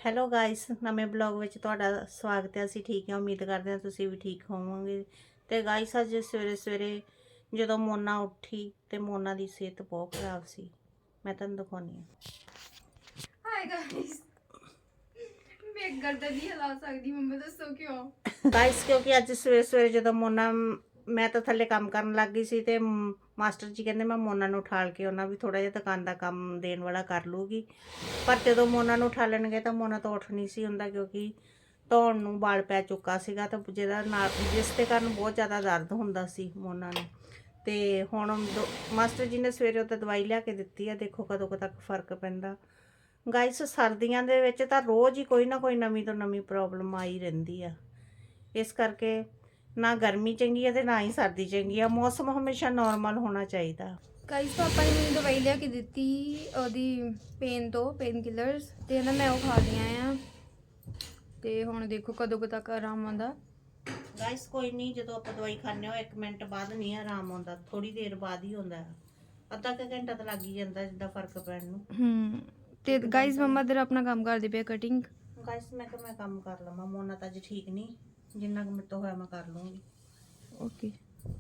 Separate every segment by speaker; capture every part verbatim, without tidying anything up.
Speaker 1: Hello guys, ਨਵੇਂ blog ਵਿੱਚ ਤੁਹਾਡਾ ਸਵਾਗਤ ਹੈ। ਅਸੀਂ ਠੀਕ ਹਾਂ, ਉਮੀਦ ਕਰਦੇ ਹਾਂ ਤੁਸੀਂ ਵੀ ਠੀਕ ਹੋਵੋਗੇ। ਤੇ ਗਾਇਸ ਅੱਜ ਸਵੇਰੇ ਸਵੇਰੇ ਜਦੋਂ ਮੋਨਾ ਉੱਠੀ ਤੇ ਮੋਨਾ ਦੀ ਸਿਹਤ ਬਹੁਤ ਖਰਾਬ ਸੀ। ਮੈਂ ਤੁਹਾਨੂੰ ਦਿਖਾਉਣੀ ਹਾਂ।
Speaker 2: ਹਾਏ ਗਾਇਸ, ਮੈਂ ਗਰਦਨ ਨਹੀਂ ਹਿਲਾ ਸਕਦੀ। ਮੰਮਾ ਦੱਸੋ ਕਿਉਂ?
Speaker 1: ਗਾਇਸ ਕਿਉਂਕਿ ਅੱਜ ਸਵੇਰੇ ਸਵੇਰੇ ਜਦੋਂ ਮੋਨਾ, ਮੈਂ ਤਾਂ ਥੱਲੇ ਕੰਮ ਕਰਨ ਲੱਗ ਗਈ ਸੀ ਤੇ ਮਾਸਟਰ ਜੀ ਕਹਿੰਦੇ ਮੈਂ ਮੋਨਾ ਨੂੰ ਉਠਾਲ ਕੇ ਉਹਨਾਂ ਵੀ ਥੋੜਾ ਜਿਹਾ ਦੁਕਾਨ ਦਾ ਕੰਮ ਦੇਣ ਵਾਲਾ ਕਰ ਲੂਗੀ। ਪਰ ਜਦੋਂ ਮੋਨਾ ਨੂੰ ਉਠਾਲਣਗੇ ਤਾਂ ਮੋਨਾ ਤੋਂ ਉੱਠ ਨਹੀਂ ਸੀ ਹੁੰਦਾ, ਕਿਉਂਕਿ ਧੌਣ ਨੂੰ ਵਾਲ ਪੈ ਚੁੱਕਾ ਸੀਗਾ ਤਾਂ ਜਿਹਦਾ ਨਾਲ ਜਿਸ ਦੇ ਕਾਰਨ ਬਹੁਤ ਜ਼ਿਆਦਾ ਦਰਦ ਹੁੰਦਾ ਸੀ ਮੋਨਾ ਨੂੰ। ਤੇ ਹੁਣ ਮਾਸਟਰ ਜੀ ਨੇ ਸਵੇਰੇ ਉੱਤੇ ਦਵਾਈ ਲਿਆ ਕੇ ਦਿੱਤੀ ਆ, ਦੇਖੋ ਕਦੋਂ ਕੁ ਤੱਕ ਫਰਕ ਪੈਂਦਾ। ਗਾਇਸ ਸਰਦੀਆਂ ਦੇ ਵਿੱਚ ਤਾਂ ਰੋਜ਼ ਹੀ ਕੋਈ ਨਾ ਕੋਈ ਨਵੀਂ ਤੋਂ ਨਵੀਂ ਪ੍ਰੋਬਲਮ ਆਈ ਰਹਿੰਦੀ ਆ। ਇਸ ਕਰਕੇ ਨਾ ਗਰਮੀ ਚੰਗੀ ਹੈ ਤੇ ਨਾ ਹੀ ਸਰਦੀ ਚੰਗੀ ਆ। ਮੌਸਮ ਹਮੇਸ਼ਾ ਨਾਰਮਲ ਹੋਣਾ ਚਾਹੀਦਾ।
Speaker 2: ਗਾਇਸ ਪਾਪਾ ਨੇ ਮੈਨੂੰ ਦਵਾਈ ਲਿਆ ਕੇ ਦਿੱਤੀ ਉਹਦੀ ਪੇਨ ਤੋਂ, ਪੇਨ ਕਿਲਰਸ, ਤੇ ਨਾ ਮੈਂ ਉਹ ਖਾ ਲਈਆਂ ਆ। ਤੇ ਹੁਣ ਦੇਖੋ ਕਦੋਂ ਕੁ ਤੱਕ ਆਰਾਮ ਆਉਂਦਾ।
Speaker 1: ਗਾਇਸ ਕੋਈ ਨਹੀਂ, ਜਦੋਂ ਆਪਾਂ ਦਵਾਈ ਖਾਂਦੇ ਹੋ ਇੱਕ ਮਿੰਟ ਬਾਅਦ ਨਹੀਂ ਆਰਾਮ ਆਉਂਦਾ, ਥੋੜੀ ਦੇਰ ਬਾਅਦ ਹੀ ਹੁੰਦਾ। ਅੱਧਾ ਕੁ ਘੰਟਾ ਤਾਂ ਲੱਗ ਹੀ ਜਾਂਦਾ ਜਿੱਦਾਂ ਫਰਕ ਪੈਣ ਨੂੰ।
Speaker 2: ਹੂੰ ਤੇ ਗਾਇਸ ਮੰਮਾ ਦਰ ਆਪਣਾ ਕੰਮ ਕਰਦੇ ਪਏ, ਕਟਿੰਗ।
Speaker 1: ਗਾਇਸ ਮੈਂ ਕਿਹਾ ਮੈਂ ਕੰਮ ਕਰ ਲਵਾਂ, ਮੋਨਾ ਤਾਂ ਅੱਜ ਠੀਕ ਨਹੀਂ, ਜਿੰਨਾ ਕੁ ਮੇਰੇ ਤੋਂ ਹੋਇਆ ਮੈਂ ਕਰ ਲੂੰਗੀ।
Speaker 2: ਓਕੇ।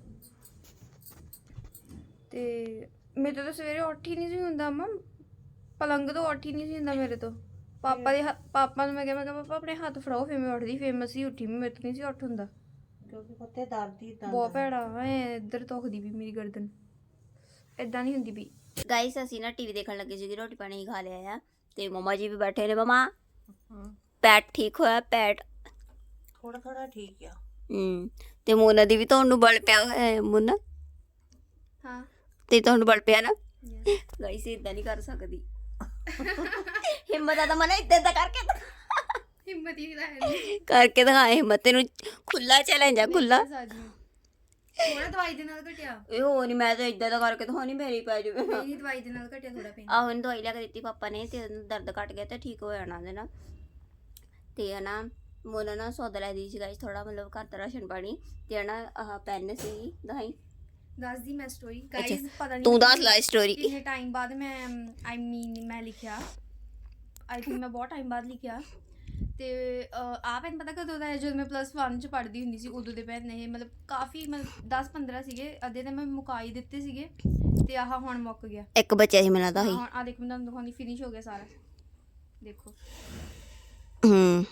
Speaker 2: ਤੇ ਮੇਰੇ ਤੋਂ ਤਾਂ ਸਵੇਰੇ ਉੱਠ ਹੀ ਨਹੀਂ ਸੀ ਹੁੰਦਾ ਮੰਮਾ, ਪਲੰਗ ਤੋਂ ਉੱਠ ਹੀ ਨਹੀਂ ਸੀ ਹੁੰਦਾ ਮੇਰੇ ਤੋਂ। ਪਾਪਾ ਦੇ ਪਾਪਾ ਨੂੰ ਮੈਂ ਕਿਹਾ ਮੈਂ ਕਿਹਾ ਪਾਪਾ ਆਪਣੇ ਹੱਥ ਫੜਾਓ, ਫਿਰ ਮੈਂ ਉੱਠਦੀ, ਫਿਰ ਮੈਂ ਸੀ ਉੱਠੀ, ਮੇਰੇ ਤੋਂ ਨਹੀਂ ਸੀ ਉੱਠ ਹੁੰਦਾ
Speaker 1: ਕਿਉਂਕਿ ਉੱਥੇ ਦਰਦ ਹੀ ਦਰਦ
Speaker 2: ਬਹੁਤ ਭੈੜਾ ਐ। ਇੱਧਰ ਧੁਖਦੀ ਵੀ ਮੇਰੀ ਗਰਦਨ, ਏਦਾਂ ਨਹੀਂ ਹੁੰਦੀ ਵੀ।
Speaker 3: ਗਾਇਸ ਅਸੀਂ ਨਾ ਟੀਵੀ ਦੇਖਣ ਲੱਗੇ ਸੀਗੇ, ਰੋਟੀ ਪਾਣੀ ਖਾ ਲਿਆ ਆ ਤੇ ਮਮਾ ਜੀ ਵੀ ਬੈਠੇ ਨੇ। ਮਮਾ ਪੈਟ ਠੀਕ ਹੋਇਆ? ਪੈਟ
Speaker 1: ਥੋੜਾ ਥੋੜਾ ਠੀਕ ਆ।
Speaker 3: ਹੂੰ ਤੇ ਮੋਨਾ ਦੀ ਵੀ ਤੁਹਾਨੂੰ ਬਲ ਪਿਆ ਹੋਇਆ ਹੈ। ਮੋਨਾ
Speaker 2: ਹਾਂ
Speaker 3: ਤੇ ਤੁਹਾਨੂੰ ਬਲ ਪਿਆ ਨਾ? ਗਾਇਸ ਇਦਾਂ ਨਹੀਂ ਕਰ ਸਕਦੀ। ਹਿੰਮਤ ਆ ਤਾਂ ਮਨਾ ਇਦਾਂ ਇਦਾਂ ਕਰਕੇ ਦਿਖਾ।
Speaker 2: ਹਿੰਮਤ ਹੀ ਨਹੀਂ
Speaker 3: ਕਰਕੇ ਦਿਖਾ ਹਿੰਮਤ। ਤੈਨੂੰ ਖੁੱਲਾ ਚੈਲੰਜ ਆ, ਖੁੱਲਾ।
Speaker 2: ਥੋੜਾ ਦਵਾਈ ਦੇ ਨਾਲ ਘਟਿਆ।
Speaker 3: ਇਹ ਹੋ ਨਹੀਂ, ਮੈਂ ਤਾਂ ਇਦਾਂ ਦਾ ਕਰਕੇ ਦਿਖਾਉਣੀ, ਮੇਰੀ ਪੈ ਜਾਵੇ।
Speaker 2: ਮੇਰੀ ਦਵਾਈ ਦੇ ਨਾਲ ਘਟਿਆ ਥੋੜਾ ਪੇਨ।
Speaker 3: ਆਹੋ ਇਹਨੂੰ ਦਵਾਈ ਲਿਆ ਕੇ ਦਿੱਤੀ ਪਾਪਾ ਨੇ ਤੇ ਦਰਦ ਘਟ ਗਿਆ ਤੇ ਠੀਕ ਹੋ ਜਾਣਾ ਉਹਦੇ ਨਾਲ। ਤੇ ਹਨਾ ਮੋਨਾ ਨਾ ਸੌਦਾ ਲੈ ਦੀ ਸੀ ਗਾਇਸ, ਥੋੜਾ ਮਤਲਬ ਘਰ ਦਾ ਰਾਸ਼ਨ ਪਾਣੀ ਤੇ ਹਨਾ ਆਹ ਪੈਨ ਸੀ ਦਹਾਈ।
Speaker 2: ਦੱਸਦੀ ਮੈਂ ਸਟੋਰੀ ਗਾਇਸ, ਪਤਾ ਨਹੀਂ
Speaker 3: ਤੂੰ ਦੱਸ ਲੈ ਸਟੋਰੀ।
Speaker 2: ਕਿੰਨੇ ਟਾਈਮ ਬਾਅਦ ਮੈਂ ਆਈ ਮੀਨ ਮੈਂ ਲਿਖਿਆ, ਆਈ ਥਿੰਕ ਮੈਂ ਬਹੁਤ ਟਾਈਮ ਬਾਅਦ ਲਿਖਿਆ। ਤੇ ਆ ਪੈਨ ਪਤਾ ਕਦੋਂ ਦਾ ਹੈ? ਜਦੋਂ ਮੈਂ ਪਲੱਸ ਵਨ ਚ ਪੜ੍ਹਦੀ ਹੁੰਦੀ ਸੀ ਉਦੋਂ ਦੇ ਪੈਨ ਇਹ, ਮਤਲਬ ਕਾਫੀ ਮਤਲਬ ਦਸ ਪੰਦਰਾਂ ਸੀਗੇ, ਅੱਧੇ ਤਾਂ ਮੈਂ ਮੁਕਾਈ ਦਿੱਤੇ ਸੀਗੇ ਤੇ ਆਹ ਹੁਣ ਮੁੱਕ ਗਿਆ।
Speaker 3: ਇੱਕ ਬੱਚਾ ਸੀ ਮੈਨੂੰ ਲੱਗਦਾ ਸੀ।
Speaker 2: ਹੁਣ ਆ ਦੇਖੋ ਮੈਂ ਤੁਹਾਨੂੰ ਦਿਖਾਉਂਦੀ, ਫਿਨਿਸ਼ ਹੋ ਗਿਆ ਸਾਰਾ, ਦੇਖੋ।
Speaker 3: ਹੂੰ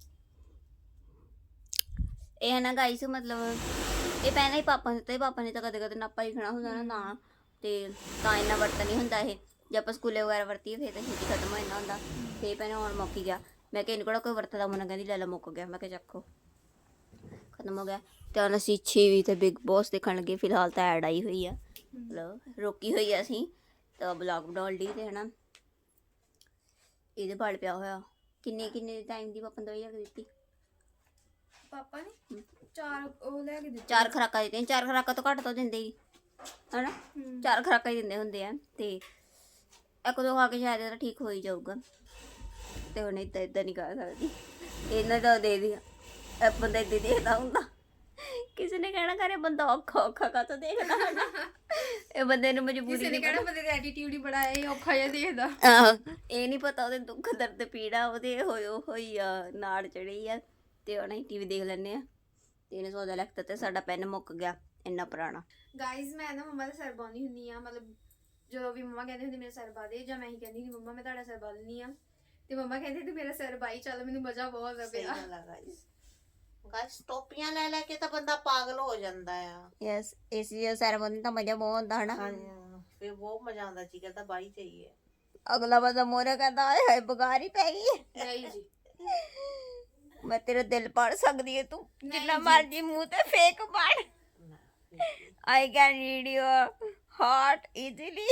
Speaker 3: ਇਹ ਹੈ ਨਾ ਗਾਇਸ, ਮਤਲਬ ਇਹ ਪੈਨ ਹੀ ਪਾਪਾ ਨੇ ਦਿੱਤਾ। ਪਾਪਾ ਨੇ ਤਾਂ ਕਦੇ ਕਦੇ ਨਾਪਾ ਲਿਖਣਾ ਹੁੰਦਾ ਨਾ ਨਾ, ਤੇ ਤਾਂ ਇੰਨਾ ਵਰਤਨ ਨਹੀਂ ਹੁੰਦਾ ਇਹ। ਜੇ ਆਪਾਂ ਸਕੂਲੇ ਵਗੈਰਾ ਵਰਤੀਏ ਫਿਰ ਤਾਂ ਛੇਤੀ ਖਤਮ ਹੋ ਜਾਂਦਾ ਹੁੰਦਾ। ਤੇ ਪੈਨ ਹੁਣ ਮੁੱਕ ਗਿਆ। ਮੈਂ ਕਿਹਾ ਇਹਨੂੰ ਕਿਹੜਾ ਕੋਈ ਵਰਤਦਾ? ਮੋਨਾ ਕਹਿੰਦੀ ਲੈ ਲਾ ਮੁੱਕ ਗਿਆ। ਮੈਂ ਕਿਹਾ ਚੱਕੋ, ਖਤਮ ਹੋ ਗਿਆ। ਤੇ ਹੁਣ ਅਸੀਂ ਛੇਵੀਂ ਤੇ ਬਿਗ ਬੋਸ ਦੇਖਣ ਲੱਗੇ। ਫਿਲਹਾਲ ਤਾਂ ਐਡ ਆਈ ਹੋਈ ਆ, ਮਤਲਬ ਰੋਕੀ ਹੋਈ ਆ ਅਸੀਂ ਤਾਂ ਬਲੌਗ ਬਣਾਉਣ ਲਈ। ਤੇ ਹਨਾ ਇਹਦੇ ਬਲ ਪਿਆ ਹੋਇਆ। ਕਿੰਨੇ ਕਿੰਨੇ ਟਾਈਮ ਦੀ ਪਾਪਾ ਨੇ ਦਵਾਈ ਲਿਆ ਕੇ ਦਿੱਤੀ?
Speaker 2: ਪਾਪਾ ਨੇ ਚਾਰ ਉਹ ਲੈ ਕੇ ਦਿੱਤੇ।
Speaker 3: ਚਾਰ ਖੁਰਾਕਾਂ ਦਿੱਤੀਆਂ। ਚਾਰ ਖੁਰਾਕਾਂ ਤੋਂ ਘੱਟ ਤਾਂ ਦਿੰਦੇ ਹੀ ਹਨਾ, ਚਾਰ ਖੁਰਾਕਾਂ ਹੀ ਦਿੰਦੇ ਹੁੰਦੇ ਆ। ਤੇ ਇੱਕ ਦੋ ਖਾ ਕੇ ਸ਼ਾਇਦ ਇਹਦਾ ਠੀਕ ਹੋ ਹੀ ਜਾਊਗਾ। ਤੇ ਹੁਣ ਏਦਾਂ ਏਦਾਂ ਨਹੀਂ ਕਰ ਸਕਦੀ। ਇਹਨਾਂ ਦਾ ਦੇ ਦਿਆ ਬੰਦਾ ਏਦਾਂ ਦੇਖਦਾ ਹੁੰਦਾ। ਕਿਸੇ ਨੇ ਕਹਿਣਾ ਕਰੇ ਬੰਦਾ ਔਖਾ ਔਖਾ ਕਾਹਤੋਂ ਦੇਖਦਾ ਹੈ। ਇਹ ਬੰਦੇ ਨੂੰ ਮਜਬੂਰੀ
Speaker 2: ਕਿਸੇ ਨੇ ਕਹਿਣਾ ਬੰਦੇ ਦਾ ਐਟੀਟਿਊਡ ਹੀ ਬੜਾ ਹੈ, ਇਹ ਔਖਾ ਜਿਹਾ ਦੇਖਦਾ।
Speaker 3: ਆਹੋ ਇਹ ਨਹੀਂ ਪਤਾ ਉਹਦੇ ਦੁੱਖ ਦਰਦ ਪੀੜਾ ਉਹਦੇ ਹੋਇਓ ਹੋਈ ਆ, ਨਾੜ ਚੜੀ ਆ। ਤੇ ਹੁਣ ਅਸੀਂ ਟੀਵੀ ਦੇਖ ਲੈਂਦੇ ਆ। ਤੇ ਇਹਨੇ ਸੌਦਾ ਲਿਖਤਾ ਤੇ ਸਾਡਾ ਪੈਨ ਮੁੱਕ ਗਿਆ, ਇੰਨਾ ਪੁਰਾਣਾ।
Speaker 2: ਗਾਇਜ਼ ਮੈਂ ਨਾ ਮੰਮਾ ਦਾ ਸਿਰ ਬਾਉਂਦੀ ਹੁੰਦੀ ਆ, ਮਤਲਬ ਜਦੋਂ ਵੀ ਮੰਮਾ ਕਹਿੰਦੇ ਹੁੰਦੇ ਮੇਰਾ ਸਿਰ ਬਾ ਦੇ, ਜਾਂ ਮੈਂ ਹੀ ਕਹਿੰਦੀ ਹੁੰਦੀ ਮੰਮਾ ਮੈਂ ਤੁਹਾਡਾ ਸਿਰ ਬਾ ਦਿੰਦੀ ਆ, ਤੇ ਮੰਮਾ ਕਹਿੰਦੇ ਤੂੰ ਮੇਰਾ ਸਿਰ ਬਾਈ ਚੱਲ, ਮੈਨੂੰ ਮਜ਼ਾ ਬਹੁਤ ਆਉਂਦਾ ਪਿਆ।
Speaker 1: ਗਾਇਸ ਟੋਪੀਆਂ ਲੈ ਲੈ ਕੇ ਤਾਂ ਬੰਦਾ ਪਾਗਲ ਹੋ ਜਾਂਦਾ ਆ।
Speaker 3: ਯੈਸ ਇਸ ਜੀ ਸੈਰੇਮਨੀ ਦਾ ਮਜ਼ਾ ਬਹੁਤ ਆਉਂਦਾ ਹਨਾ।
Speaker 1: ਫਿਰ ਬਹੁਤ ਮਜ਼ਾ ਆਉਂਦਾ ਜੀ, ਕਰਦਾ ਬਾਈ ਚਾਹੀਏ।
Speaker 3: ਅਗਲਾ ਬੰਦਾ ਮੋਰੇ ਕਹਿੰਦਾ ਹਾਏ ਹਾਏ ਬੁਖਾਰ ਹੀ ਪੈ ਗਈ।
Speaker 2: ਨਹੀਂ ਜੀ,
Speaker 3: ਮੈਂ ਤੇਰਾ ਦਿਲ ਪੜ ਸਕਦੀ ਹੈ, ਤੂੰ ਜਿੰਨਾ ਮਰਜੀ ਮੂੰਹ ਤੇ ਫੇਕ ਪੜ। I can read your heart easily.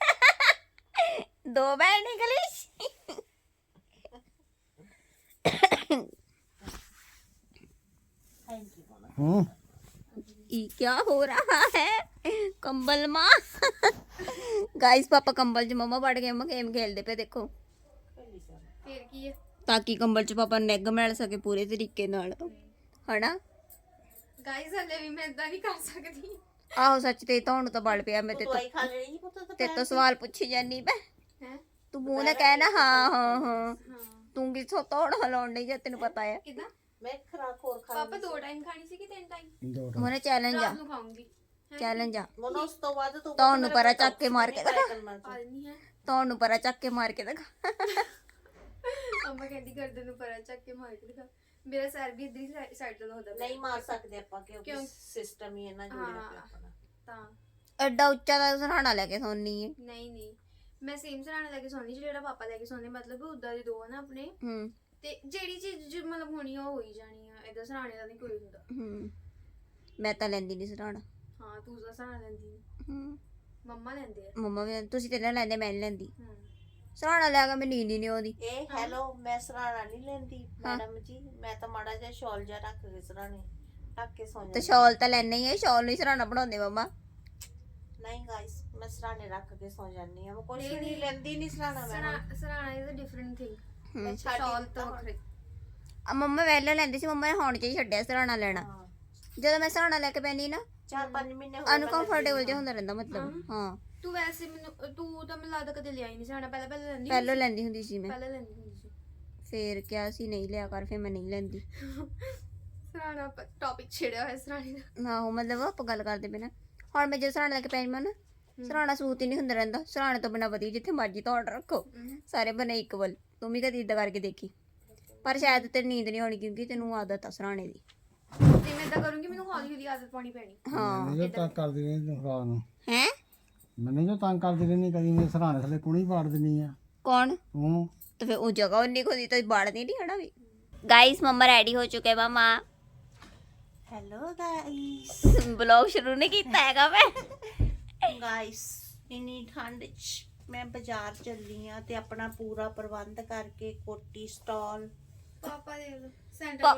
Speaker 3: ਦੋ ਬੈਂਡ ਇੰਗਲਿਸ਼। ये क्या हो रहा है? कंबल माँ गाइस पापा कंबल च मम्मा पड़ गए। मम्मा गेम खेलते पे देखो,
Speaker 2: ਫਿਰ ਕੀ ਹੈ
Speaker 3: ताकि कंबल च पापा निग मिल सके पूरे तरीके नाल हना।
Speaker 2: ਗਾਇਜ਼ ਹਲੇ ਵੀ ਮੈਂ ਇਦਾਂ ਨਹੀਂ ਕਰ ਸਕਦੀ।
Speaker 3: आहो सच ते ਤੁਹਾਨੂੰ ਤਾਂ ਬਲ ਪਿਆ। मैं ते
Speaker 1: ਦਵਾਈ ਖਾ ਲੈਣੀ ਸੀ ਪੁੱਤ।
Speaker 3: ते तो सवाल पूछी जानी मैं।
Speaker 2: ਹੈ
Speaker 3: तू मुंह ने कहना हाँ हाँ हाँ। ਤੂੰ ਕਿਥੋਂ ਤੋੜ ਲਾਉਣ ਨਹੀਂ ਜਾਂ ਤੈਨੂੰ ਪਤਾ ਆ
Speaker 2: ਕਿਦਾਂ
Speaker 1: ਮੈਂ ਖਰਾਕ ਹੋਰ ਖਾ
Speaker 2: ਪਾਪਾ ਦੋ ਟਾਈਮ ਖਾਣੀ ਸੀ ਕਿ ਤਿੰਨ ਟਾਈਮ
Speaker 4: ਦੋ
Speaker 3: ਮੋਨੇ ਚੈਲੰਜ ਆ
Speaker 2: ਰਾਤ ਨੂੰ ਖਾਉਂਗੀ
Speaker 3: ਚੈਲੰਜ ਆ
Speaker 1: ਮੋਨਾ ਉਸ ਤੋਂ ਬਾਅਦ ਤੂੰ
Speaker 3: ਤੁਹਾਨੂੰ ਪਰਾ ਚੱਕ ਕੇ ਮਾਰ ਕੇ ਦਿਖਾ
Speaker 2: ਆ ਨਹੀਂ ਹੈ
Speaker 3: ਤੁਹਾਨੂੰ ਪਰਾ ਚੱਕ ਕੇ ਮਾਰ ਕੇ ਦਿਖਾ
Speaker 2: ਅੰਮਾ ਕਹਿੰਦੀ ਗਰਦਨ ਨੂੰ ਪਰਾਂ ਚੱਕ ਕੇ ਮਾਰ ਕੇ ਦਿਖਾ ਮੇਰਾ ਸਿਰ ਵੀ ਇਧਰ ਹੀ ਸਾਈਡ ਤੋਂ ਹੁੰਦਾ
Speaker 1: ਨਹੀਂ ਮਾਰ ਸਕਦੇ ਆਪਾਂ ਕਿਉਂਕਿ
Speaker 2: ਕਿਉਂ?
Speaker 1: ਸਿਸਟਮ ਹੀ ਇਹਨਾਂ ਜੁੜਿਆ ਪਿਆ
Speaker 2: ਹਾਂ।
Speaker 1: ਆਪਣਾ
Speaker 2: ਤਾਂ
Speaker 3: ਐਡਾ ਉੱਚਾ ਦਾ ਸਰਾਣਾ ਲੈ ਕੇ ਸੌਣੀ ਹੈ
Speaker 2: ਨਹੀਂ ਨਹੀਂ ਮੈਂ ਸੇਮ ਸਰਾਣਾ ਲੈ ਕੇ ਸੌਂਦੀ ਸੀ ਜਿਹੜਾ ਪਾਪਾ ਲੈ ਕੇ ਸੌਂਦੇ ਮਤਲਬ ਉਦਾਂ ਦੇ ਦੋ ਆ ਨਾ ਆਪਣੇ
Speaker 3: ਹੂੰ
Speaker 2: ਤੇ ਜਿਹੜੀ ਚੀਜ਼ ਜੋ ਮਤਲਬ ਹੋਣੀ ਆ ਉਹ ਹੋਈ ਜਾਣੀ ਆ ਏਦਾਂ ਸਰਾਣੇ ਦਾ ਨਹੀਂ ਕੋਈ ਹੁੰਦਾ
Speaker 3: ਹੂੰ ਮੈਂ ਤਾਂ ਲੈਂਦੀ ਨਹੀਂ ਸਰਾਣਾ
Speaker 2: ਹਾਂ ਤੂੰ ਤਾਂ ਸਰਾਣਾ ਲੈਂਦੀ ਨੀ।
Speaker 3: ਹੂੰ
Speaker 2: ਮੰਮਾ ਲੈਂਦੇ ਆ
Speaker 3: ਮੰਮਾ ਵੀ ਤੁਸੀਂ ਤੇ ਨਾ ਲੈਂਦੇ ਮੈਂ ਨਹੀਂ ਲੈਂਦੀ
Speaker 2: ਹੂੰ
Speaker 3: ਸਰਾਣਾ ਲੈ ਕੇ ਮੈਂ ਨੀਂਦ ਹੀ ਨਹੀਂ ਆਉਂਦੀ
Speaker 1: ਇਹ ਹੈਲੋ ਮੈਂ ਸਰਾਣਾ ਨਹੀਂ ਲੈਂਦੀ ਮੈਡਮ ਜੀ ਮੈਂ ਤਾਂ ਮਾੜਾ ਜਿਹਾ ਸ਼ਾਲ ਜਿਹਾ ਰੱਖ ਕੇ ਸਰਾਣੇ ਢੱਕ ਕੇ ਸੌਂ
Speaker 3: ਤੇ
Speaker 1: ਜਾਂਦੀ
Speaker 3: ਸ਼ਾਲ ਤਾਂ ਲੈਣਾ ਹੀ ਹੈ ਸ਼ਾਲ ਨੂੰ ਹੀ ਸਰਾਣਾ ਬਣਾਉਂਦੇ ਮੰਮਾ
Speaker 1: ਨਹੀਂ ਗਾਇਸ ਮੈਂ ਸਰਾਣੇ ਰੱਖ ਕੇ ਸੌਂ ਜਾਂਦੀ ਆ ਮੈਂ ਕੁਛ
Speaker 2: ਨਹੀਂ,
Speaker 1: ਵੀ ਨਹੀਂ
Speaker 2: ਨਹੀਂ।
Speaker 1: ਲੈਂਦੀ ਨਹੀਂ ਸਰਾਣਾ ਮੈਂ
Speaker 2: ਸਰਾ- ਸਰਾਣਾ ਇਜ਼ ਅ ਡਿਫਰੈਂਟ ਥਿੰਗ
Speaker 3: ਹੂੰ
Speaker 2: ਸ਼ਾਲ ਤੋਂ ਵੱਖਰੇ
Speaker 3: ਆ ਮੰਮਾ ਪਹਿਲਾਂ ਲੈਂਦੀ ਸੀ ਮੰਮਾ ਨੇ ਹੁਣ ਚ ਹੀ ਛੱਡਿਆ ਸਰਾਣਾ ਲੈਣਾ
Speaker 1: ਹਾਂ
Speaker 3: ਜਦੋਂ ਮੈਂ ਸਰਾਣਾ ਲੈ ਕੇ ਪੈਣੀ ਨਾ
Speaker 1: ਚਾਰ ਪੰਜ ਮਹੀਨੇ ਹੋ ਗਏ
Speaker 3: ਅਨਕੰਫਰਟੇਬਲ ਜਿਹਾ ਹੁੰਦਾ ਰਹਿੰਦਾ ਮਤਲਬ ਹਾਂ
Speaker 2: ਤੂੰ ਵੈਸੇ ਮੈਨੂੰ ਤੂੰ ਤਾਂ ਮੈਨੂੰ ਲੱਗਦਾ ਕਦੇ ਲਿਆ ਹੀ ਨਹੀਂ ਸਰਾਣਾ ਪਹਿਲਾਂ ਪਹਿਲਾਂ ਲੈਂਦੀ
Speaker 3: ਪਹਿਲਾਂ ਲੈਂਦੀ ਹੁੰਦੀ ਸੀ ਮੈਂ
Speaker 2: ਪਹਿਲਾਂ ਲੈਂਦੀ ਹੁੰਦੀ ਸੀ
Speaker 3: ਫੇਰ ਕਿਹਾ ਸੀ ਨਹੀਂ ਲਿਆ ਕਰ ਫੇਰ ਮੈਂ ਨਹੀਂ ਲੈਂਦੀ
Speaker 2: ਸਰਾਣਾ ਟੌਪਿਕ ਛੇੜਿਆ ਹੋਇਆ ਸਰਾਣੇ ਦਾ
Speaker 3: ਆਹੋ ਮਤਲਬ ਆਪਾਂ ਗੱਲ ਕਰਦੇ ਪਏ ਨਾ ਹੁਣ ਮੈਂ ਜਦੋਂ ਸਰਾਣਾ ਲੈ ਕੇ ਪੈਣੀ ਮੈਂ ਨਾ ਸਰਾਣਾ ਸੂਤ ਹੀ ਨਹੀਂ ਹੁੰਦਾ ਰਹਿੰਦਾ ਸਰਾਣੇ ਤੋਂ ਬਿਨਾਂ ਵਧੀਆ ਜਿੱਥੇ ਮਰਜ਼ੀ ਤੋਂ ਆਰਡਰ ਰੱਖੋ ਸਾਰੇ ਬਣੇ ਇਕਵਲ ਤੂੰ ਵੀ ਕਦੀ ਇਦਾਂ ਕਰਕੇ ਦੇਖੀ ਪਰ ਸ਼ਾਇਦ ਤੇਰੀ ਨੀਂਦ ਨਹੀਂ ਆਉਣੀ ਕਿਉਂਕਿ ਤੈਨੂੰ ਆਦਤ ਆ ਸਰਾਣੇ ਦੀ
Speaker 2: ਤੇ ਮੈਂ ਇਦਾਂ ਕਰੂੰਗੀ ਮੈਨੂੰ ਹੌਲੀ ਹੌਲੀ ਆਦਤ ਪਾਉਣੀ ਪੈਣੀ
Speaker 3: ਹਾਂ
Speaker 4: ਮੈਨੂੰ ਜੋ ਤੰਗ ਕਰਦੀ ਰਹਿੰਦੀ ਤੂੰ ਰਾਤ ਨੂੰ
Speaker 3: ਹੈ
Speaker 4: ਮੈਨੂੰ ਜੋ ਤੰਗ ਕਰਦੀ ਰਹਿੰਦੀ ਕਦੀ ਮੇਰੇ ਸਰਾਣੇ ਥੱਲੇ ਕੁਣੀ ਪਾੜ ਦਿੰਦੀ ਆ
Speaker 3: ਕੌਣ
Speaker 4: ਤੂੰ
Speaker 3: तो फिर वो जगह उन्नी खुदी तो बाड़नी नहीं है ना भी गाइस मम्मा रेडी हो चुके हैं मामा
Speaker 1: ਹੈਲੋ ਗਾਇਸ
Speaker 3: ब्लॉग शुरू नहीं किया हैगा मैं
Speaker 1: ਗਾਇਸ ਇੰਨੀ ਠੰਡ 'ਚ ਮੈਂ ਬਾਜ਼ਾਰ ਚੱਲੀ ਆ ਤੇ ਆਪਣਾ ਪੂਰਾ ਪ੍ਰਬੰਧ ਕਰਕੇ ਕੋਟੀ ਸਟਾਲ
Speaker 2: ਪਾਪਾ ਦੇ ਲੋ ਸੈਂਟਰ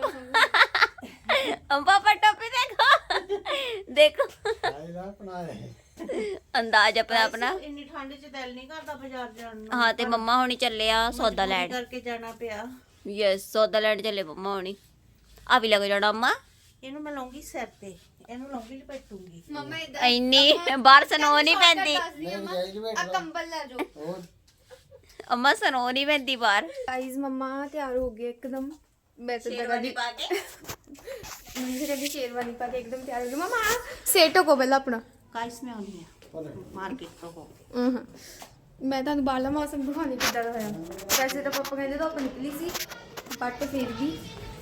Speaker 2: ਦੇ
Speaker 3: हम पापा टोपी देखो देखो
Speaker 4: ਆਈ ਰਾ ਬਣਾਏ
Speaker 3: अंदाज अपना अपना
Speaker 1: ਇੰਨੀ ਠੰਡ 'ਚ ਦਿਲ ਨਹੀਂ ਕਰਦਾ ਬਾਜ਼ਾਰ ਜਾਣ ਨੂੰ
Speaker 3: हाँ ते मम्मा होनी चले आ सौदा
Speaker 1: ਮਜਬੂਰੀ
Speaker 3: लैंड
Speaker 1: ਕਰਕੇ ਜਾਣਾ ਪਿਆ
Speaker 3: यस सौदा लैंड चले मम्मा होनी आ भी लग जाना अम्मा
Speaker 1: ਇਹਨੂੰ ਮੈਂ ਲਾਉਂਗੀ ਸਿਰ ਤੇ ਇਹਨੂੰ ਲਾਉਂਗੀ ਲਪੇਟੂਗੀ
Speaker 2: ਮੰਮਾ ਇਦਾਂ
Speaker 3: इन्नी बाहर सनो नहीं पैंदी
Speaker 2: ਆ ਕੰਬਲ ਲੈ ਜਾਓ
Speaker 4: ਉਹ
Speaker 3: अम्मा सनो नहीं पैंदी बाहर
Speaker 2: ਗਾਈਜ਼ ਮੰਮਾ ਤਿਆਰ ਹੋ ਗਏ ਇੱਕਦਮ ਮੈਂ ਤਾਂ ਜਗ੍ਹਾ ਦੀ
Speaker 3: पाके
Speaker 2: ਮੰਮੀ ਕਹਿੰਦੀ ਸ਼ੇਰਵਾਨੀ ਪਾ ਕੇ ਇੱਕਦਮ ਤਿਆਰ ਹੋ ਗਈ ਮੰਮਾ ਸੇਟੋ ਕੋ ਪਹਿਲਾਂ ਆਪਣਾ
Speaker 1: ਗਾਇਸ ਮੈਂ ਆਉਣੀ ਆ ਮਾਰਕੀਟ ਤੋਂ ਹੋ
Speaker 2: ਹਾਂ ਮੈਂ ਤੁਹਾਨੂੰ ਬਾਹਰਲਾ ਮੌਸਮ ਦਿਖਾਉਣੀ ਕਿੱਦਾਂ ਦਾ ਹੋਇਆ ਵੈਸੇ ਤਾਂ ਪਾਪਾ ਕਹਿੰਦੇ ਧੁੱਪ ਨਿਕਲੀ ਸੀ ਬਟ ਫਿਰ ਵੀ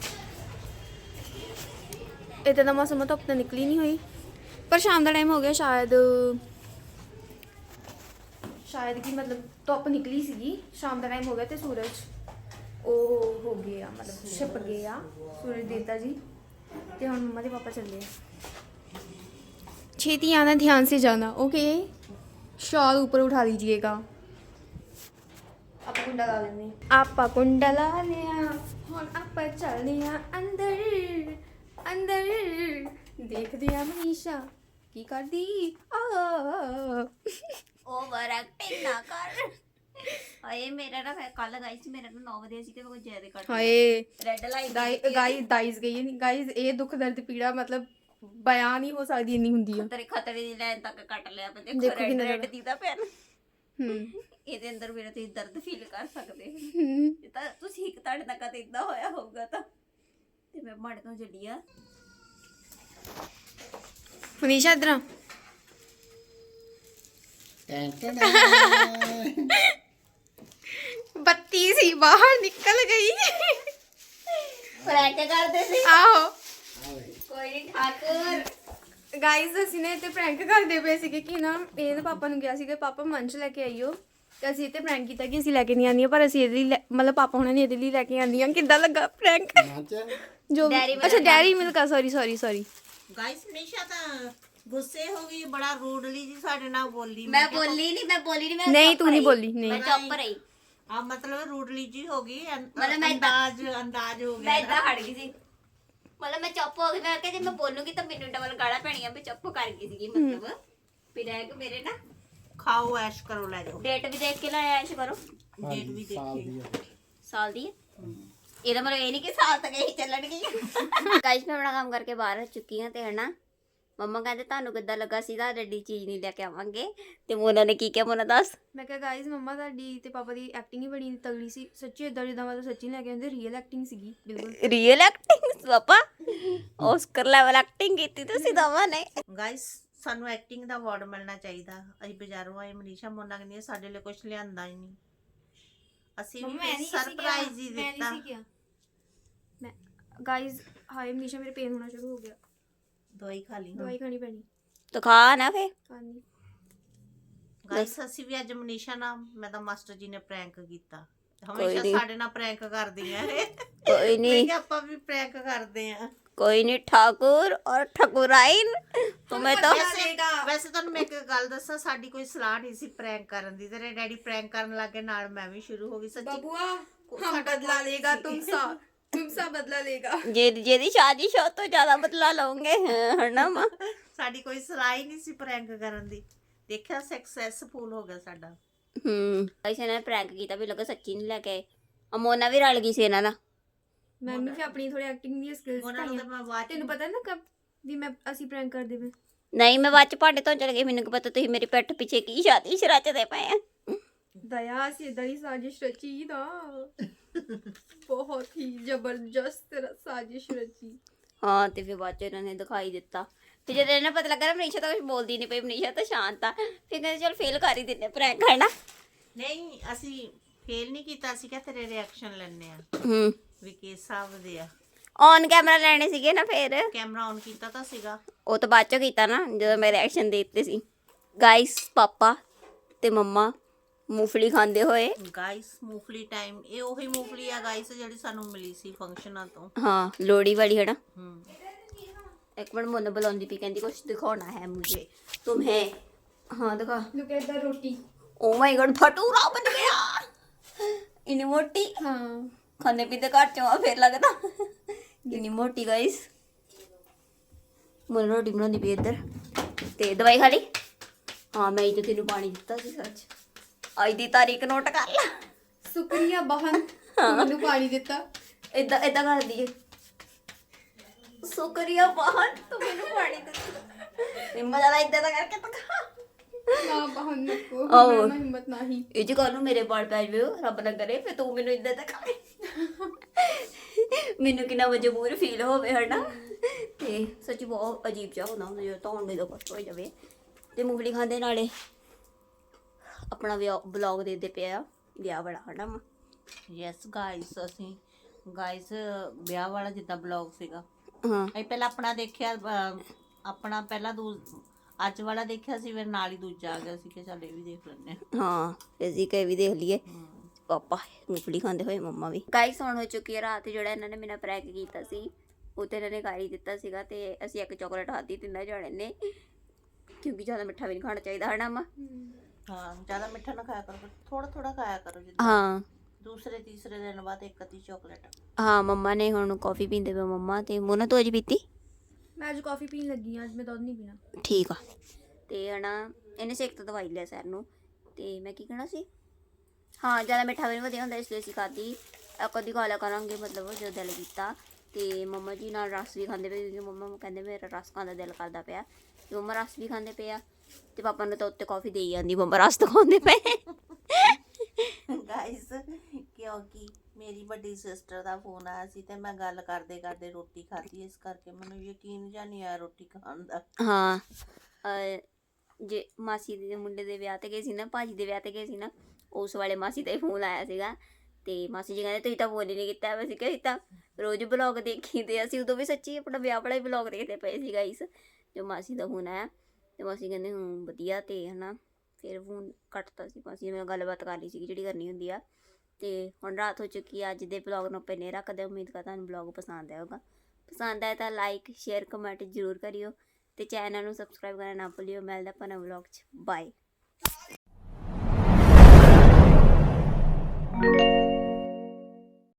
Speaker 2: ਇੱਦਾਂ ਦਾ ਮੌਸਮ ਆ, ਧੁੱਪ ਤਾਂ ਨਿਕਲੀ ਨਹੀਂ ਹੋਈ ਪਰ ਸ਼ਾਮ ਦਾ ਟਾਈਮ ਹੋ ਗਿਆ ਸ਼ਾਇਦ ਸ਼ਾਇਦ ਕਿ ਮਤਲਬ ਧੁੱਪ ਨਿਕਲੀ ਸੀਗੀ ਸ਼ਾਮ ਦਾ ਟਾਈਮ ਹੋ ਗਿਆ ਤੇ ਸੂਰਜ ਉਹ ਹੋ ਗਿਆ ਮਤਲਬ ਛਿਪ ਗਿਆ ਸੂਰਜ ਦੇਵਤਾ ਜੀ ਤੇ ਹੁਣ ਮੰਮਾ ਦੇ ਪਾਪਾ ਚੱਲੇ ਆ छेती आना ध्यान से जाना ओके शॉल ऊपर उठा लीजिएगा आप कुंडा ला लेने आपा कुंडा ला लिया हुन आपा चल लिया अंदर अंदर देख दिया मनीषा की कर दी आ
Speaker 3: ओवर एक्टिंग ना कर आए मेरा ना कल गाइस मेरा ना नौ बजे ਸੀ ਤੇ ਕੋਈ ਜ਼ਿਆਦਾ ਕੱਟ
Speaker 2: hi
Speaker 3: red light
Speaker 2: guys guys गई नहीं गाइस ये दुख दर्द पीड़ा मतलब बयान ही हो सकती नहीं हुंदी है
Speaker 3: ਖਤਰੇ ਖਤਰੇ ਦੀ ਲਾਈਨ ਤੱਕ ਕੱਟ ਲਿਆ ਪਰ
Speaker 2: ਦੇਖੋ
Speaker 3: ਦੇਖੋ ਰੈਡ
Speaker 2: ਕਿੰਨਾ
Speaker 3: ਰੈਡ ਦੀ ਤਾਂ ਪੈਨ
Speaker 2: हम्म
Speaker 3: ਇਹਦੇ ਅੰਦਰ ਮੇਰਾ ਤੁਸੀਂ ਦਰਦ ਫੀਲ ਕਰ ਸਕਦੇ ਹੋ
Speaker 2: हम्म
Speaker 3: ਇਹ ਤਾਂ ਤੁਸੀਂ ਇੱਕ ਤੁਹਾਡੇ ਨਾਲ ਕਦੇ ਇਦਾਂ ਹੋਇਆ ਹੋਊਗਾ ਤਾਂ ਤੇ ਮੈਂ ਮਾੜੇ ਤੋਂ ਚੱਲੀ ਆ
Speaker 2: मनीषा इधर आ। बत्ती सी बाहर निकल गई
Speaker 3: ਫਰੈਂਕ ਕਰਦੇ ਸੀ
Speaker 2: आहो
Speaker 3: ਕੋਈ ਨਹੀਂ ਠਾਕੁਰ
Speaker 2: ਗਾਈਜ਼ ਅਸੀਂ ਨੇ ਇੱਥੇ ਪ੍ਰੈਂਕ ਕਰਦੇ ਪਏ ਸੀਗੇ ਕਿ ਨਾ ਇਹਦੇ ਪਾਪਾ ਨੂੰ ਕਿਹਾ ਸੀਗਾ ਪਾਪਾ ਮੰਚ ਲੈ ਕੇ ਆਈਓ ਤੇ ਅਸੀਂ ਇੱਥੇ ਪ੍ਰੈਂਕ ਕੀਤਾ ਕਿ ਅਸੀਂ ਲੈ ਕੇ ਨਹੀਂ ਆਉਂਦੀਆਂ ਪਰ ਅਸੀਂ ਇਹਦੇ ਲਈ ਲੈ- ਮਤਲਬ ਪਾਪਾ ਹੁਣਾਂ ਨੇ ਇਹਦੇ ਲਈ ਲੈ ਕੇ ਆਉਂਦੀਆਂ ਕਿੱਦਾਂ ਲੱਗਾ ਪ੍ਰੈਂਕ ਜੋ ਵੀ-
Speaker 3: Dairy Milk
Speaker 2: ਅੱਛਾ ਡੈਰੀ ਮਿਲਕ ਆ sorry sorry sorry
Speaker 1: guys Manisha ਤਾਂ ਗੁੱਸੇ ਹੋ ਗਈ ਬੜਾ ਰੂਡਲੀ ਜੀ ਸਾਡੇ ਨਾਲ ਬੋਲੀ
Speaker 3: ਮੈਂ ਬੋਲੀ ਨਹੀਂ ਮੈਂ ਬੋਲੀ ਨਹੀਂ ਮੈਂ
Speaker 2: ਨਹੀਂ
Speaker 3: ਚੁੱਪ
Speaker 2: ਤੂੰ ਨਹੀਂ
Speaker 3: ਰਹੀ।
Speaker 2: ਬੋਲੀ
Speaker 3: ਮੈਂ
Speaker 2: ਨਹੀਂ
Speaker 3: ਚੁੱਪ ਰਹੀ
Speaker 1: ਆ ਮਤਲਬ ਰੂਡਲੀ ਜੀ ਹੋ ਗਈ ਅੰ-
Speaker 3: ਮਤਲਬ ਮੈਂ ਏਦਾਂ-
Speaker 1: ਅੰਦਾਜ਼ ਅੰਦਾਜ਼ ਹੋ
Speaker 3: ਮੈਂ
Speaker 1: ਗਿਆ
Speaker 3: ਇਦਾਂ ਹਟ ਗਈ ਸੀ ਮਤਲਬ ਮੈਂ ਚੁੱਪ ਹੋ ਗਈ ਮੈਂ ਕਿਹਾ ਜੇ ਮੈਂ ਬੋਲੂਗੀ ਤਾਂ ਮੈਨੂੰ ਡਬਲ ਗਾਲਾਂ ਪੈਣੀਆਂ ਵੀ ਚੁੱਪ ਕਰ ਗਈ ਸੀਗੀ ਮਤਲਬ ਫਿਰ ਇਹ ਕਿ ਮੇਰੇ ਨਾ
Speaker 1: ਖਾਓ ਐਸ਼ ਕਰੋ ਲੈ ਜਾਓ
Speaker 3: ਡੇਟ ਵੀ ਦੇਖ ਕੇ ਲਾਇਆ ਐਸ਼ ਕਰੋ
Speaker 1: ਡੇਟ ਵੀ ਦੇਖੀ
Speaker 3: ਸਾਲ ਦੀ ਹੈ ਇਹਦਾ ਮਤਲਬ ਇਹ ਨਹੀਂ ਕਿ ਸਾਲ ਤੱਕ ਹੀ ਚੱਲਣਗੀ ਗਾਇਸ ਮੈਂ ਆਪਣਾ ਕੰਮ ਕਰਕੇ ਬਾਹਰ ਆ ਚੁੱਕੀ ਹਾਂ ਤੇ ਹਨਾ ਮੰਮਾ ਕਹਿੰਦੇ ਤੁਹਾਨੂੰ ਕਿੱਦਾਂ ਲੱਗਾ ਸੀ ਤੁਹਾਡੇ ਡੀ ਚੀਜ਼ ਨਹੀਂ ਲੈ ਕੇ ਆਵਾਂਗੇ, ਤੇ ਮੋਨਾ ਨੇ ਕੀ ਕਿਹਾ, ਮੋਨਾ ਦੱਸ।
Speaker 2: ਮੈਂ ਕਿਹਾ ਗਾਇਜ਼ ਮੰਮਾ ਤੁਹਾਡੀ ਤੇ ਪਾਪਾ ਦੀ ਐਕਟਿੰਗ ਹੀ ਬੜੀ ਤਗੜੀ ਸੀ ਸੱਚੀ, ਇਦਾਂ ਜਿੱਦਾਂ ਮਤਲਬ ਸੱਚੀ ਲੈ ਕੇ ਆਉਂਦੇ ਰੀਅਲ ਐਕਟਿੰਗ ਸੀਗੀ ਬਿਲਕੁਲ।
Speaker 3: ਰੀਅਲ ਐਕਟਿੰਗ ਪਾਪਾ, ਆਸਕਰ ਲੈਵਲ ਐਕਟਿੰਗ ਕੀਤੀ ਤੁਸੀਂ ਦੋਵਾਂ ਨੇ।
Speaker 1: ਗਾਇਸ ਸਾਨੂੰ ਐਕਟਿੰਗ ਦਾ ਅਵਾਰਡ ਮਿਲਣਾ ਚਾਹੀਦਾ। ਅਸੀਂ ਬਾਜ਼ਾਰੋਂ ਆਏ, ਮਨੀਸ਼ਾ ਮੋਨਾ ਕਹਿੰਦੀ ਸਾਡੇ ਲਈ ਕੁਝ ਲਿਆਂਦਾ ਹੀ ਨਹੀਂ, ਅਸੀਂ ਵੀ ਸਰਪ੍ਰਾਈਜ਼ ਹੀ ਦਿੱਤਾ।
Speaker 2: ਮੈਂ ਗਾਇਜ਼ ਹਾਏ ਮਨੀਸ਼ਾ ਮੇਰੇ ਪੇਨ ਹੋਣਾ ਸ਼ੁਰੂ ਹੋ ਗਿਆ,
Speaker 1: ਦਵਾਈ ਖਾ ਲਈ ਹੁਣ।
Speaker 2: ਦਵਾਈ ਖਾਣੀ ਪੈਣੀ।
Speaker 3: ਤਾਂ ਖਾ ਨਾ ਫੇ।
Speaker 2: ਖਾਣੀ
Speaker 1: ਗਾਇਸ ਅਸੀਂ ਵੀ ਅੱਜ ਮਨੀਸ਼ਾ ਨਾਲ, ਮੈਂ ਤਾਂ ਮਾਸਟਰ ਜੀ ਨੇ ਪ੍ਰੈਂਕ ਕੀਤਾ,
Speaker 3: ਕੋਈ
Speaker 1: ਹਮੇਸ਼ਾ
Speaker 3: ਨੀ।
Speaker 1: ਸਾਡੇ ਨਾਲ ਪ੍ਰੈਂਕ ਕਰਦੀਆਂ ਇਹ।
Speaker 3: ਕੋਈ
Speaker 1: ਮੈਂ
Speaker 3: ਨਹੀਂ,
Speaker 1: ਕਿਹਾ ਆਪਾਂ ਵੀ ਪ੍ਰੈਂਕ ਕਰਦੇ ਆ।
Speaker 3: कोई नहीं, ठाकुर और ठकुराइन तुम्हें तो
Speaker 1: ਵੈਸੇ ਵੈਸੇ ਤੁਹਾਨੂੰ ਮੈਂ ਇੱਕ ਗੱਲ ਦੱਸਾਂ, ਸਾਡੀ ਕੋਈ ਸਲਾਹ ਨਹੀਂ ਸੀ ਪ੍ਰੈਂਕ ਕਰਨ ਦੀ, ਤੇਰੇ ਡੈਡੀ ਪ੍ਰੈਂਕ ਕਰਨ ਲੱਗੇ, ਨਾਲ ਮੈਂ ਵੀ ਸ਼ੁਰੂ ਹੋ ਗਈ। ਸੱਚੀ
Speaker 2: बबुआ हम बदला लेगा, तुम सा तुम सा बदला लेगा।
Speaker 3: जे जेदी शादी शो तो ज्यादा बदला लोगे है ना मां।
Speaker 1: ਸਾਡੀ ਕੋਈ ਸਲਾਹ ਹੀ ਨਹੀਂ ਸੀ ਪ੍ਰੈਂਕ ਕਰਨ ਦੀ, ਦੇਖਿਆ ਸਕਸੈਸਫੁਲ ਹੋ ਗਿਆ ਸਾਡਾ।
Speaker 3: हम्म ऐसे ने प्रैंक कीता भी लगा सच्ची नहीं लेके आए। अमोना भी रल गई सी इन्हां नाल।
Speaker 2: मैं भी फिर अपनी थोड़ी एक्टिंग दी स्किल्स
Speaker 1: ਉਹਨਾਂ ਨੂੰ ਤਾਂ
Speaker 2: दिखाई
Speaker 1: ਮੈਂ ਬਾਅਦ ਚ
Speaker 2: तेन पता है ना कब भी मैं ਅਸੀਂ ਪ੍ਰੈਂਕ ਕਰਦੇ ਵੇ।
Speaker 3: नहीं मैं बाद च भांडे धोन चल गई, मैनू की पता तुसीं मेरी पिठ पीछे की शादी च रचदे पे आ।
Speaker 2: दया से दड़ी साजिश रची ना, बहुत ही जबरदस्त साजिश रची।
Speaker 3: हाँ ते फिर बाद च इन्होंने दिखाई दिता, फिर जब इन्हें पता लगा ना मनीषा तो कुछ बोलती नहीं पई, मनीषा तो शांत आ, फिर कहते चल फेल कर ही दिन्ने प्रैंक है ना।
Speaker 1: ਨਹੀਂ ਅਸੀਂ ਫੇਲ ਨਹੀਂ ਕੀਤਾ, ਅਸੀਂ ਕਿਹਾ ਤੇਰੇ ਰਿਐਕਸ਼ਨ ਲੈਣੇ ਆ
Speaker 3: हम्म
Speaker 1: ਵੀ ਕਿਸ ਹਿਸਾਬ ਦੇ ਆ।
Speaker 3: ऑन कैमरा ਲੈਣੇ ਸੀਗੇ ਨਾ, ਫਿਰ
Speaker 1: ਕੈਮਰਾ ਔਨ ਕੀਤਾ ਤਾਂ ਸੀਗਾ।
Speaker 3: ਉਹ ਤਾਂ ਬਾਅਦ ਚੋਂ ਕੀਤਾ ਨਾ ਜਦੋਂ ਮੈਂ ਰਿਐਕਸ਼ਨ ਦੇ ਦਿੱਤੇ ਸੀ। ਗਾਇਸ ਪਾਪਾ ਤੇ ਮੰਮਾ ਮੂੰਗਫਲੀ ਖਾਂਦੇ ਹੋਏ।
Speaker 1: ਗਾਇਸ ਮੂੰਗਫਲੀ ਟਾਈਮ, ਇਹ ਉਹੀ ਮੂੰਗਫਲੀ ਆ ਗਾਇਸ ਜਿਹੜੀ ਸਾਨੂੰ ਮਿਲੀ ਸੀ ਫੰਕਸ਼ਨਾਂ ਤੋਂ।
Speaker 3: ਹਾਂ ਲੋੜੀ ਵਾਲੀ ਹੈ ਨਾ।
Speaker 1: ਹੂੰ
Speaker 3: ਇੱਕ ਮਿੰਟ ਮੋਨਾ ਬੁਲਾਉਂਦੀ ਪਈ, ਕਹਿੰਦੀ ਕੁਛ ਦਿਖਾਉਣਾ ਹੈ ਮੁਝੇ तुम्हें। हाँ दिखा।
Speaker 2: Look at the roti.
Speaker 3: Oh my God भटूरा बन गया इतनी मोटी।
Speaker 2: हाँ
Speaker 3: खाने पीते घट चो फिर लगता इतनी मोटी गाइस। मोना रोटी बनाਉਂਦੀ ਪਈ ਇੱਧਰ ਤੇ ਦਵਾਈ ਖਾ ਲਈ। ਹਾਂ ਮੈਂ ਹੀ ਤੈਨੂੰ ਪਾਣੀ ਦਿੱਤਾ ਸੀ ਸੱਚ, ਅੱਜ ਦੀ ਤਾਰੀਖ ਨੋਟ ਕਰ ਲੈ।
Speaker 2: शुक्रिया बहन, ਮੈਨੂੰ ਪਾਣੀ ਦਿੱਤਾ।
Speaker 3: ਇਦਾਂ ਇਦਾਂ ਕਰਦੀ ਏ, ਸ਼ੁਕਰੀਆ ਬਹਨ ਤੂੰ ਮੈਨੂੰ ਪਾਣੀ ਦਿੱਤਾ। ਹਿੰਮਤ ਵਾਲਾ ਇਦਾਂ ਦਾ ਕਰਕੇ ਤਾਂ ਖਾ।
Speaker 2: ਨਾ ਬਹਨ ਨੂੰ
Speaker 3: ਆਹੋ।
Speaker 2: ਮੇਰਾ ਹਿੰਮਤ ਨਹੀਂ।
Speaker 3: ਇਹ ਜੀ ਕੱਲ ਨੂੰ ਮੇਰੇ ਬਾਲ ਪੈ ਜਾਵੇ ਰੱਬ ਨਾ ਕਰੇ, ਫਿਰ ਤੂੰ ਮੈਨੂੰ ਇਦਾਂ ਦਾ ਖਾਏ, ਮੈਨੂੰ ਕਿੰਨਾ ਮਜਬੂਰ ਫੀਲ ਹੋਵੇ ਹਨਾ। ਤੇ ਸੱਚੀ ਬਹੁਤ ਅਜੀਬ ਜਿਹਾ ਹੁੰਦਾ ਹੁੰਦਾ ਜਦੋਂ ਧੌਣ ਦੇ ਕਸ਼ਟ ਹੋ ਜਾਵੇ। ਤੇ ਮੂੰਗਫਲੀ ਖਾਂਦੇ ਨਾਲੇ ਆਪਣਾ ਬਲੌਗ ਦੇ ਦੇ ਪਿਆ ਵਿਆਹ ਵਾਲਾ ਹਨਾ।
Speaker 1: ਯੈਸ ਗਾਇਸ ਅਸੀਂ ਗਾਇਸ ਵਿਆਹ ਵਾਲਾ ਜਿੱਦਾਂ ਬਲੌਗ ਸੀਗਾ,
Speaker 3: ਹਾਂ
Speaker 1: ਅਸੀਂ ਪਹਿਲਾਂ ਆਪਣਾ ਦੇਖਿਆ, ਅਹ, ਆਪਣਾ ਪਹਿਲਾਂ ਦੂ ਅੱਜ ਵਾਲਾ ਦੇਖਿਆ ਸੀ, ਫਿਰ ਨਾਲ ਹੀ ਦੂਜਾ ਆ ਗਿਆ ਸੀ ਕਿ ਚੱਲ ਇਹ ਵੀ ਦੇਖ ਲੈਂਦੇ ਹਾਂ।
Speaker 3: ਹਾਂ ਅਸੀਂ ਕਹੇ ਵੀ ਦੇਖ ਲਈਏ। ਪਾਪਾ ਮੂੰਗਫਲੀ ਖਾਂਦੇ ਹੋਏ, ਮੰਮਾ ਵੀ। ਗਾਇਸ ਹੁਣ ਹੋ ਚੁੱਕੀ ਹੈ ਰਾਤ। ਜਿਹੜਾ ਇਹਨਾਂ ਨੇ ਮੇਰਾ ਪ੍ਰੈਂਕ ਕੀਤਾ ਸੀ ਉਹ ਤੇ ਇਹਨਾਂ ਨੇ ਕਰ ਹੀ ਦਿੱਤਾ ਸੀਗਾ, ਤੇ ਅਸੀਂ ਇੱਕ ਚਾਕਲੇਟ ਖਾਧੀ ਤਿੰਨਾਂ ਜਾਣੇ ਨੇ, ਕਿਉਂਕਿ ਜ਼ਿਆਦਾ ਮਿੱਠਾ ਵੀ ਨਹੀਂ ਖਾਣਾ ਚਾਹੀਦਾ ਹਨਾ ਮਾਂ।
Speaker 1: ਹਾਂ ਜ਼ਿਆਦਾ ਮਿੱਠਾ ਨਾ ਖਾਇਆ ਕਰੋ, ਥੋੜਾ ਥੋੜਾ ਖਾਇਆ ਕਰੋ, ਜਿੱਦਾਂ
Speaker 3: ਹਾਂ
Speaker 1: ਦੂਸਰੇ ਤੀਸਰੇ ਦਿਨ ਬਾਅਦ ਇੱਕ ਅੱਧੀ ਚਾਕਲੇਟ।
Speaker 3: ਹਾਂ ਮੰਮਾ ਨੇ ਹੁਣ ਕੌਫੀ ਪੀਂਦੇ ਪਏ ਮੰਮਾ, ਤੇ ਮੋਨਾ ਤੂੰ ਅੱਜ ਪੀਤੀ?
Speaker 2: ਮੈਂ ਅੱਜ ਕਾਫੀ ਪੀਣ ਲੱਗੀ ਹਾਂ, ਅੱਜ ਮੈਂ ਦੁੱਧ ਨਹੀਂ ਪੀਣਾ।
Speaker 3: ਠੀਕ ਆ। ਤੇ ਹਨਾ ਇਹਨੇ ਸੇਕ ਤਾਂ ਦਵਾਈ ਲਿਆ ਸੈਰ ਨੂੰ, ਤੇ ਮੈਂ ਕੀ ਕਹਿਣਾ ਸੀ, ਹਾਂ ਜ਼ਿਆਦਾ ਮਿੱਠਾ ਵੀ ਨਹੀਂ ਵਧੀਆ ਹੁੰਦਾ, ਇਸ ਲਈ ਅਸੀਂ ਖਾਧੀ। ਕਦੀ ਖਾ ਲਿਆ ਕਰਾਂਗੇ ਮਤਲਬ ਜਦੋਂ ਦਿਲ ਕੀਤਾ। ਤੇ ਮੰਮਾ ਜੀ ਨਾਲ ਰਸ ਵੀ ਖਾਂਦੇ ਪਏ, ਕਿਉਂਕਿ ਮੰਮਾ ਕਹਿੰਦੇ ਮੇਰਾ ਰਸ ਖਾਣ ਦਾ ਦਿਲ ਕਰਦਾ ਪਿਆ, ਤੇ ਮੰਮਾ ਰਸ ਵੀ ਖਾਂਦੇ ਪਏ ਆ। ਤੇ ਪਾਪਾ ਨੂੰ ਤਾਂ ਉੱਤੇ ਕਾਫੀ ਦੇਈ ਜਾਂਦੀ, ਮੰਮਾ ਰਸ ਤਾਂ ਖਾਂਦੇ ਪਏ।
Speaker 1: ਗਾਇਸ ਕਿਉਂਕਿ ਮੇਰੀ ਵੱਡੀ ਸਿਸਟਰ ਦਾ ਫੋਨ ਆਇਆ ਸੀ ਤੇ ਮੈਂ ਗੱਲ ਕਰਦੇ ਕਰਦੇ ਰੋਟੀ ਖਾਧੀ, ਇਸ ਕਰਕੇ ਮੈਨੂੰ ਯਕੀਨ ਜਾਂ ਨਹੀਂ ਆਇਆ ਰੋਟੀ ਖਾਣ ਦਾ।
Speaker 3: ਹਾਂ ਅਹ ਜੇ ਮਾਸੀ ਦੇ ਮੁੰਡੇ ਦੇ ਵਿਆਹ ਤੇ ਗਏ ਸੀ ਨਾ, ਭਾਜੀ ਦੇ ਵਿਆਹ ਤੇ ਗਏ ਸੀ ਨਾ, ਉਸ ਵਾਲੇ ਮਾਸੀ ਦਾ ਹੀ ਫੋਨ ਆਇਆ ਸੀਗਾ। ਤੇ ਮਾਸੀ ਜੀ ਕਹਿੰਦੇ ਤੁਸੀਂ ਤਾਂ ਫੋਨ ਹੀ ਨਹੀਂ ਕੀਤਾ। ਅਸੀਂ ਕਿਹਾ ਅਸੀਂ ਤਾਂ ਰੋਜ਼ ਬਲੌਗ ਦੇਖੀ, ਤੇ ਅਸੀਂ ਉਦੋਂ ਵੀ ਸੱਚੀ ਆਪਣਾ ਵਿਆਹ ਵਾਲਾ ਹੀ ਬਲੌਗ ਦੇਖਦੇ ਪਏ ਸੀ ਗਾਈਸ, ਜੋ ਮਾਸੀ ਦਾ ਫੋਨ ਆਇਆ। ਤੇ ਮਾਸੀ ਕਹਿੰਦੇ ਹੂੰ ਵਧੀਆ, ਤੇ ਹਨਾ ਫਿਰ ਫੋਨ ਕੱਟਤਾ ਸੀ ਮਾਸੀ ਨੇ, ਗੱਲਬਾਤ ਕਰ ਲਈ ਸੀ ਜਿਹੜੀ ਕਰਨੀ ਹੁੰਦੀ ਆ। ਤੇ ਹੁਣ ਰਾਤ ਹੋ ਚੁੱਕੀ ਆ। ਅੱਜ ਦੇ ਬਲੌਗ ਨੂੰ ਆਪਾਂ ਨੇ ਰੱਖਦੇ, ਉਮੀਦ ਕਰਦਾ ਤੁਹਾਨੂੰ ਬਲੌਗ ਪਸੰਦ ਆਏਗਾ। ਪਸੰਦ ਆਇਆ ਤਾਂ ਲਾਈਕ ਸ਼ੇਅਰ ਕਮੈਂਟ ਜ਼ਰੂਰ ਕਰਿਓ, ਤੇ ਚੈਨਲ ਨੂੰ ਸਬਸਕ੍ਰਾਈਬ ਕਰਨਾ ਨਾ ਭੁੱਲਿਓ। ਮਿਲਦਾ ਆਪਾਂ ਨਵੇਂ ਬਲੌਗ 'ਚ, ਬਾਏ।